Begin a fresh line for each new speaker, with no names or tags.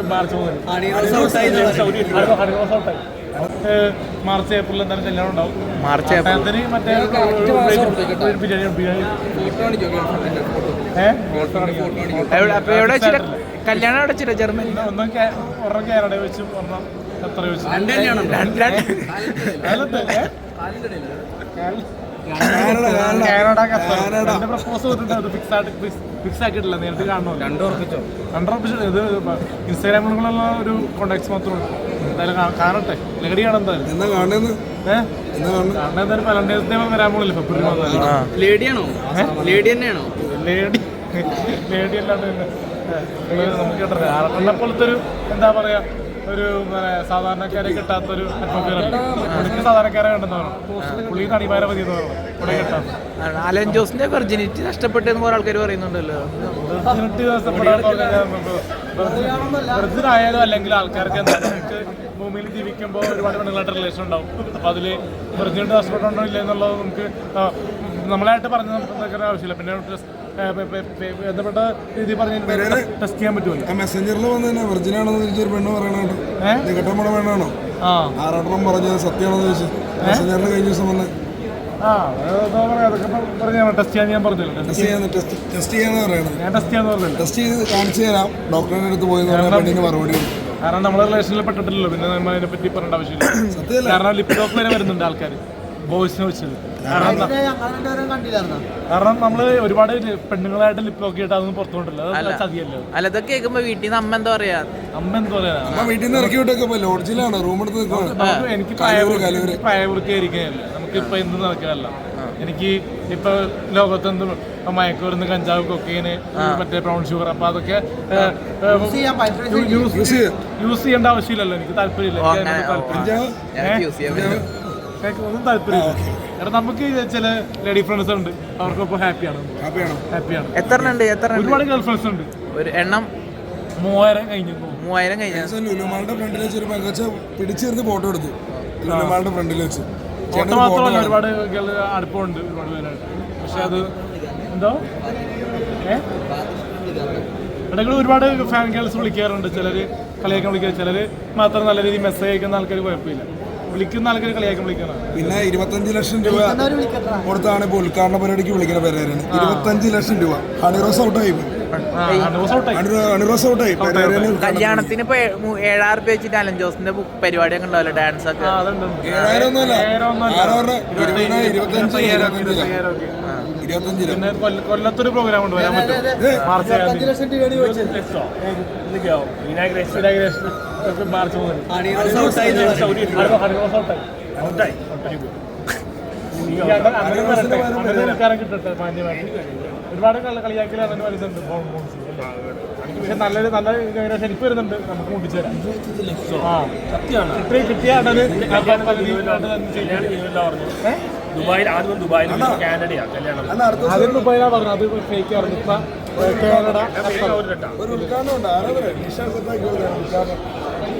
March മുതൽ March April എന്തായാലും കല്യാണം ഉണ്ടാവും.
മാർച്ച് ഏപ്രിൽ
മറ്റേ
എവിടെ വെച്ചിട്ട് കല്യാണം എവിടെ വെച്ചിട്ട് ജർമ്മനി?
ഒന്നും കാനഡ വെച്ചും ഒരെണ്ണം ഖത്തർ വെച്ചും. കാനഡ ഖത്തർ പ്രപ്പോസ് ചെയ്തിട്ടുണ്ട്. ഫിക്സ് ആക്കിയിട്ടില്ല, നേരിട്ട് കാണണമല്ലോ. കണ്ടുറപ്പിച്ചു. ഇത് ഇൻസ്റ്റാഗ്രാമിലുള്ള ഒരു കോണ്ടാക്ട്സ് മാത്രമേ എന്തായാലും കാണട്ടെ. ലഹടിയാണ് എന്തായാലും. എന്തായാലും വാലന്റൈൻസ് ഡേ വരാൻ പോണില്ല ഫെബ്രുവരി മാസം.
ലേഡിയാണോ? ലേഡി തന്നെയാണോ?
ലേഡി അല്ലാണ്ട് നമുക്ക് കിട്ടരുത്. ആറെണ്ണ പോലത്തെ ഒരു എന്താ പറയാ, ഒരു സാധാരണക്കാരെ കിട്ടാത്തൊരു അറ്റ്മോസ്ഫിയറല്ല. സാധാരണക്കാരെ കണ്ടെന്ന് പറഞ്ഞു. പുള്ളി നടിമാരെ മതി എന്ന് പറഞ്ഞു. ഇവിടെ കിട്ടാത്ത
അലൻ ജോസിന്റെ വെർജിനിറ്റി നഷ്ടപ്പെട്ടെന്ന് കുറെ ആൾക്കാർ പറയുന്നുണ്ടല്ലോ.
വെർജിനായാലും അല്ലെങ്കിൽ ആൾക്കാർക്ക് എന്താ, നമുക്ക് ഭൂമിയിൽ ജീവിക്കുമ്പോൾ ഒരുപാട് പെണ്ണുങ്ങളായിട്ട് റിലേഷൻ ഉണ്ടാവും. അപ്പോൾ അതിൽ വെർജിനിറ്റി നഷ്ടപ്പെട്ടുണ്ടോ ഇല്ല എന്നുള്ളത് നമുക്ക് നമ്മളായിട്ട് പറഞ്ഞു നോക്കേണ്ട ആവശ്യമില്ല. പിന്നെ ബന്ധപ്പെട്ട രീതി പറഞ്ഞ് ടെസ്റ്റ് ചെയ്യാൻ പറ്റുമല്ലോ.
മെസ്സഞ്ചറിൽ വന്ന് വെർജിനാണോ ചോദിച്ചൊരു പെണ്ണ് പറയണോ, കെട്ടമ്മടെ പെണ്ണാണോ ആറാട്ടം പറഞ്ഞത് സത്യമാണെന്ന് ചോദിച്ചു. മെസ്സഞ്ചറിൽ കഴിഞ്ഞ ദിവസം വന്ന്
ടെസ്റ്റ് ചെയ്യാൻ ഞാൻ പറഞ്ഞല്ലോ.
ടെസ്റ്റ് ചെയ്യാന്ന് പറയണത്.
ഞാൻ ടെസ്റ്റ് ചെയ്യാന്ന് പറഞ്ഞല്ലോ.
ടെസ്റ്റ് ചെയ്ത് കാണിച്ചു തരാം, ഡോക്ടറിന്റെ അടുത്ത് പോയി പെണ്ണിന് മറുപടി.
കാരണം നമ്മുടെ റിലേഷനിൽ പെട്ടിട്ടില്ലല്ലോ, പിന്നെ നമ്മൾ അതിനെ പറ്റി പറയേണ്ട ആവശ്യമില്ല. കാരണം ലിപ് ലോക്ക് വരെ വരുന്നുണ്ട് ആൾക്കാർ ബോയ്സിനെ വെച്ചത്. കാരണം നമ്മള് ഒരുപാട് പെണ്ണുങ്ങളായിട്ട് ലിപ് ലോക്ക് ചെയ്തിട്ട് അതൊന്നും പുറത്തുകൊണ്ടില്ല. അത് ചതിയല്ലോ.
അല്ല, ഇതൊക്കെ കേൾക്കുമ്പോ വീട്ടിൽ നിന്ന് അമ്മ എന്താ പറയാ?
വീട്ടിൽ നിന്ന് ഇറക്കി വിട്ടൊക്കെ ലോഡ്ജിലാണ്, റൂം എടുത്ത്
എനിക്ക് പ്രായപൂർത്തിയായിരിക്കുകയല്ല. നമുക്കിപ്പോ എന്ത് നടക്കാനല്ല. എനിക്ക് ഇപ്പൊ ലോകത്ത് എന്ത് മയക്കുമരുന്ന്, കഞ്ചാവ്, കൊക്കൈന്, മറ്റേ ബ്രൗൺ ഷുഗർ, അപ്പൊ അതൊക്കെ യൂസ് ചെയ്യേണ്ട ആവശ്യമില്ലല്ലോ. എനിക്ക് താല്പര്യമില്ല. ഒന്നും താല്പര്യമില്ല. കാരണം നമുക്ക് ചില ലേഡി ഫ്രണ്ട്സ് ഉണ്ട്, അവർക്കൊപ്പം ഹാപ്പിയാണ്.
എത്ര
ഒരുപാട് ഗേൾ ഫ്രണ്ട്സ് ഉണ്ട്.
ഒരു എണ്ണം
3000 കഴിഞ്ഞു.
3000 കഴിഞ്ഞ
ലുലുമാളുടെ ഫ്രണ്ടിൽ വെച്ച് ഒരു പെങ്കച്ച പിടിച്ചിരുന്ന് ഫോട്ടോ എടുത്തു. ലുലുമാളുടെ ഫ്രണ്ടിൽ വെച്ച്
ഫോട്ടോ മാത്രമല്ല, ഒരുപാട് അടുപ്പമുണ്ട് ഒരുപാട് പേരായിട്ട്. പക്ഷെ അത് എന്തോ ഇടയ്ക്ക് ഒരുപാട് ഫാൻ ഗേൾസ് വിളിക്കാറുണ്ട്. ചിലർ കളിയാക്കാൻ വിളിക്കുക, ചിലർ മാത്രം നല്ല രീതിയിൽ മെസ്സേജ് അയക്കുന്ന ആൾക്കാർ കുഴപ്പമില്ല. വിളിക്കുന്ന ആൾക്കാർ കളിയാക്കാൻ വിളിക്കണം.
പിന്നെ 25 ലക്ഷം രൂപ കൊടുത്താണ് ഇപ്പോൾ ഉദ്ഘാടന പരിപാടിക്ക് വിളിക്കുന്ന പേരാണ്. 25 ലക്ഷം രൂപ. ഹണിറോസ് ഔട്ടായി.
കല്യാണത്തിന് ഇപ്പൊ 7000 രൂപ വെച്ചിട്ട് അലൻ ജോസിന്റെ പരിപാടിയൊക്കെ ഉണ്ടാവല്ലോ, ഡാൻസ് ഒക്കെ.
25
പിന്നെ കൊല്ലത്തൊരു പ്രോഗ്രാം ഉണ്ട്, വരാൻ പറ്റും. മാർച്ച് മുതൽ കിട്ടട്ടെ മാന്യമായിട്ട്. ഒരുപാട് കളിയാക്കലാണ് വരുന്നുണ്ട്. പക്ഷെ നല്ലൊരു നല്ല എനിക്ക് വരുന്നുണ്ട്. നമുക്ക് മുട്ടിച്ചു തരാം. ദുബായിൽ ആദ്യം ദുബായിലാണ് പറഞ്ഞത്. അത് ഫേക്ക് ആയിരുന്നു. ഇപ്പൊ കാനഡ